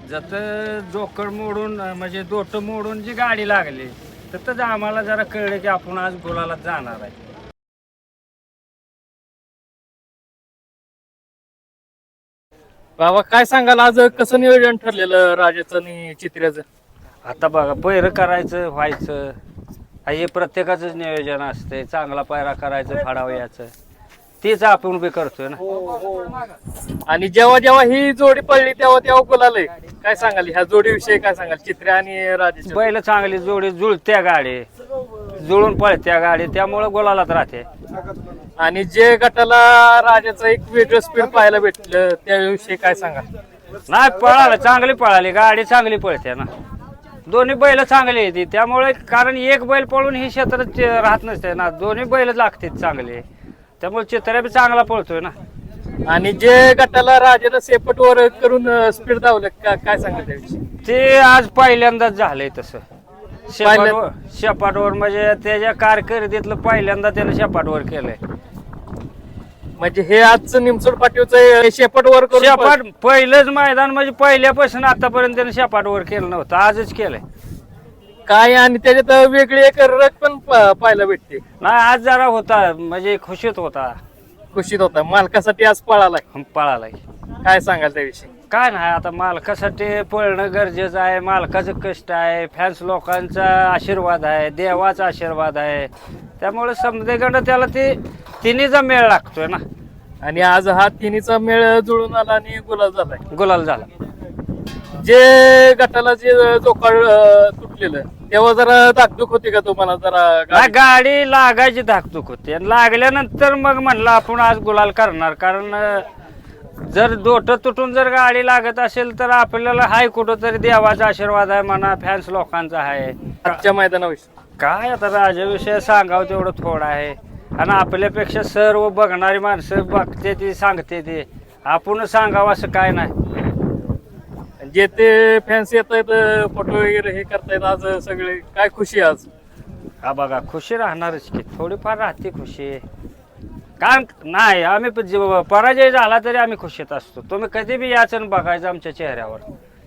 जत जोकड मोडून म्हणजे दोट मोडून जी गाडी लागली तर आम्हाला जरा कळलं की आपण आज गुलाला जाणार आहे. बाबा काय सांगाल आज कसं नियोजन ठरलेलं राजाचं आणि चित्र्याचं? आता बघा पैर करायचं व्हायचं हे प्रत्येकाचंच नियोजन असते. चांगला पायरा करायचं फाडावयाचं तेच आपण बी करतोय ना. आणि जेव्हा जेव्हा ही जोडी पडली तेव्हा तेव्हा गुलाल काय सांगाल ह्या जोडीविषयी? काय सांगाल चित्र्या आणि राजाच्या? बैल चांगली जोडी जुळत्या गाडी जुळून पळत्या गाडी त्यामुळं गुलालात राहते. आणि जे गटाला राजाचं एक वेगळं स्पीड पाहायला भेटलं त्याविषयी काय सांगाल? नाही पळालं चांगली पळाली गाडी चांगली पळते ना. दोन्ही बैल चांगली येते त्यामुळे कारण एक बैल पळून ही क्षेत्रात राहत नसते ना. दोन्ही बैल लागतात चांगले त्यामुळे चित्र्या बी चांगला पळतोय ना. आणि जे गटाला राजाला सेपट वर करून स्पीड धावलं काय सांगाल त्याविषयी? ते आज पहिल्यांदाच झालंय तसं शेपाटवर म्हणजे त्याच्या कारकिर्दीतलं पहिल्यांदा त्यानं शेपाटवर केलंय. म्हणजे हे आजचं निमसोड पाटीवचं शेपट वर करून शेपाट पहिलंच मैदान म्हणजे पहिल्यापासून आतापर्यंत त्यानं शेपाटवर केलं नव्हतं आजच केलंय. काय आणि त्याच्यात वेगळी एक रग पण पाहायला भेटते. नाही आज जरा होता म्हणजे खुशीत होता. खुशीत होता मालकासाठी आज पळालाय. पळालाय. काय सांगाल त्याविषयी? काय नाही आता मालकासाठी पळणं गरजेचं आहे. मालकाचं कष्ट आहे फॅन्स लोकांचा आशीर्वाद आहे देवाचा आशीर्वाद आहे त्यामुळे समजेकडं त्याला ते तिन्हीचा मेळ लागतोय ना. आणि आज हा तिन्हीचा मेळ जुळून आला आणि गुलाल झालाय. गुलाल झाला. जे गटाला जे जोकाळ तुटलेलं तेव्हा जरा धाकधूक होती का तुम्हाला? जरा गाडी लागायची धाकधूक होती आणि लागल्यानंतर मग म्हणलं आपण आज गुलाल करणार. कारण जर दोट तुटून जर गाडी लागत असेल तर आपल्याला हाय कुठं तरी देवाचा आशीर्वाद आहे म्हणा फॅन्स लोकांचा आहे. आजच्या मैदानाविषयी काय आता राजाविषयी सांगावं तेवढं थोडं आहे आणि आपल्यापेक्षा सर्व बघणारी माणसं बघते ती सांगते ते आपण सांगावं असं काय नाही. जे ते फॅन्स येत आहेत फोटो वगैरे हे करतायत आज सगळे काय खुशी आज? हा बघा खुशी राहणारच की थोडीफार राहते खुशी. कारण नाही आम्ही पराजय झाला तरी आम्ही खुशीत असतो. तुम्ही कधी बी याचं बघायचं आमच्या चेहऱ्यावर.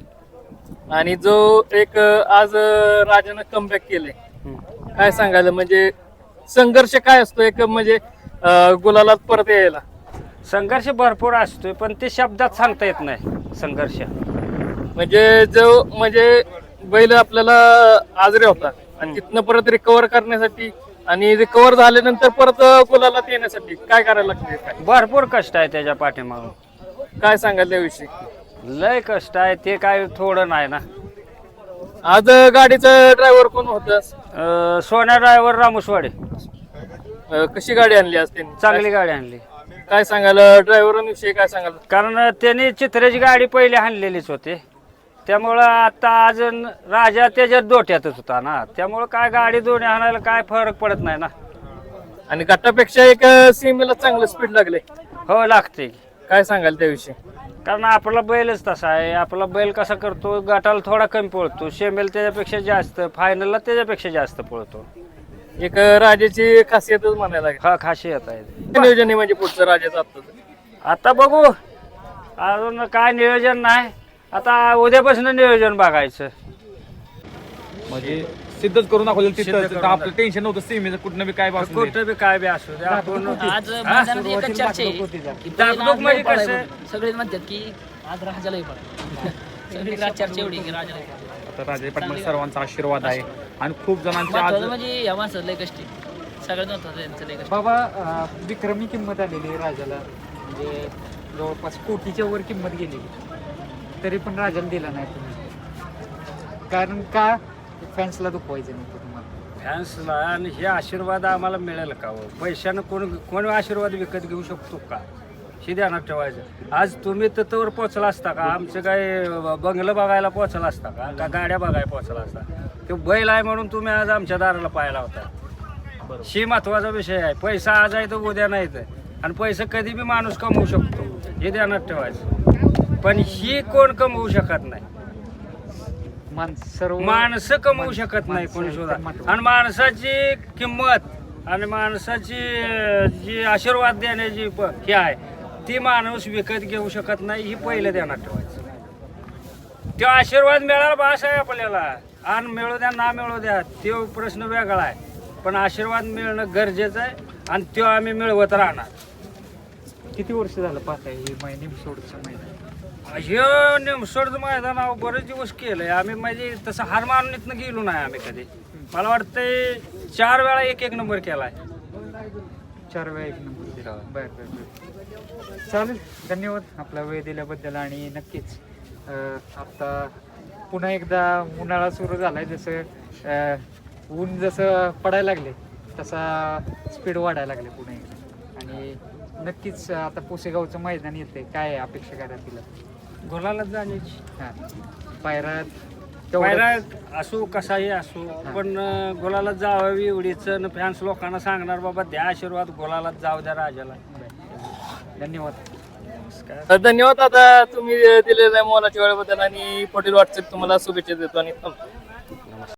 आणि जो एक आज राजानं कमबॅक केले काय सांगायला म्हणजे संघर्ष काय असतो एक म्हणजे गुलालात परत यायला? संघर्ष भरपूर असतोय पण ते शब्दात सांगता येत नाही संघर्ष. म्हणजे जो म्हणजे बैल आपल्याला आजरे होता आणि तिथनं परत रिकवर करण्यासाठी आणि रिकवर झाल्यानंतर परत गुलालात येण्यासाठी काय करायला लागते? काय भरपूर कष्ट आहे त्याच्या पाठीमागून. काय सांगाल त्याविषयी? लय कष्ट आहे ते काय थोडं नाही ना. आज गाडीचं ड्रायव्हर कोण होत? सोन्या ड्रायव्हर रामुसवाडे. कशी गाडी आणली आज त्यांनी? चांगली गाडी आणली. काय सांगाल ड्रायव्हरांविषयी? काय सांगाल? कारण त्यांनी चित्र्याची गाडी पहिले आणलेलीच होते त्यामुळं आता आज राजा त्याच्यात दोट्यातच होता ना त्यामुळं काय गाडी दोन्ही आणायला काय फरक पडत नाही ना. आणि गटापेक्षा एक सीमेला चांगलं स्पीड लागले. हो लागते. काय सांगाल त्याविषयी? कारण आपला बैलच तसा आहे. आपला बैल कसा करतो गटाला थोडा कमी पळतो सेमेल त्याच्यापेक्षा जास्त फायनलला त्याच्यापेक्षा जास्त पळतो. एक राजाची खासियतच म्हणायला लागेल. हा खासियत आहे. नियोजन आहे म्हणजे पुढचं राजाचं आता बघू अजून काय नियोजन नाही. आता उद्यापासून नियोजन बघायचं. म्हणजे सिद्धच करून दाखवलं तिथं आपलं टेन्शन नव्हतं सीमेचं कुठनं बी काय बाजू कुठं बी काय बी असू दे आपण आज मैदानात एकच चर्चा आहे की दाबदूब म्हणजे कसं? सगळे म्हणतात की आज राजालाही पळा. सगळी चर्चा एवढी की राजाला आता राजे पाटील सर्वांचा आशीर्वाद आहे आणि खूप जणांच्या आज म्हणजे या माणसाचं लय कष्टी सगळ्यात महत्वाचं त्यांचं लय कष्ट. बाबा विक्रमी किंमत आलेली आहे राजाला म्हणजे जवळपास कोटीच्या वर किंमत गेलेली तरी पण राजाला दिला नाही तुम्ही. कारण का फॅन्सला दुखवायचं नव्हतं तुम्हाला. फॅन्सला आणि हे आशीर्वाद आम्हाला मिळेल का हो? पैशानं कोण आशीर्वाद विकत घेऊ शकतो का? हे ध्यानात ठेवायचं. आज तुम्ही तत्वर पोचला असता का? आमचं काय बंगलं बघायला पोचला असता का गाड्या बघायला पोचला असता? तो बैल आहे म्हणून तुम्ही आज आमच्या दाराला पाहायला होता. ही महत्वाचा विषय आहे. पैसा आज आहे तर उद्या नाही तर आणि पैसा कधी बी माणूस कमवू शकतो हे ध्यानात ठेवायचं. पण ही कोण कमवू शकत नाही. माणसं कमवू शकत नाही कोणी सुद्धा. आणि माणसाची किंमत आणि माणसाची जी आशीर्वाद देण्याची ही आहे ती माणूस विकत घेऊ शकत नाही. ही पहिलं ध्यानात ठेवायचं. तो आशीर्वाद मिळाला बास आहे आपल्याला. आणि मिळू द्या ना मिळू द्या तो प्रश्न वेगळा आहे, पण आशीर्वाद मिळणं गरजेचं आहे आणि तो आम्ही मिळवत राहणार. किती वर्ष झालं पाहताय हे निमसोडचं मैदान? हे निमसोडचं मैदान अहो बरेच दिवस केलंय आम्ही. म्हणजे तसं हार मारून इथनं गेलो नाही आम्ही कधी. मला वाटतंय 4 वेळा एक नंबर केलाय. 4 वेळा 1 नंबर दिला. बर बर बर, चालेल. धन्यवाद आपला वेळ दिल्याबद्दल. आणि नक्कीच आता पुन्हा एकदा उन्हाळा सुरू झालाय. जसं ऊन जसं पडायला लागले तसा स्पीड वाढायला लागले पुन्हा एकदा. आणि नक्कीच आता पुसेगावचं मैदान येते, काय आहे अपेक्षा करा तिला? गोलाला जाण्याची हां, पायरा पायरा असो कसाही असो, पण गोलाला जावावी एवढीच फॅन्स लोकांना सांगणार बाबा द्या आशीर्वाद, गोलाला जाऊ द्या राजाला. धन्यवाद. धन्यवाद आता तुम्ही दिलेल्या मोलाच्या वेळेबद्दल आणि पटेल वाटचाल तुम्हाला शुभेच्छा देतो आणि थांबतो.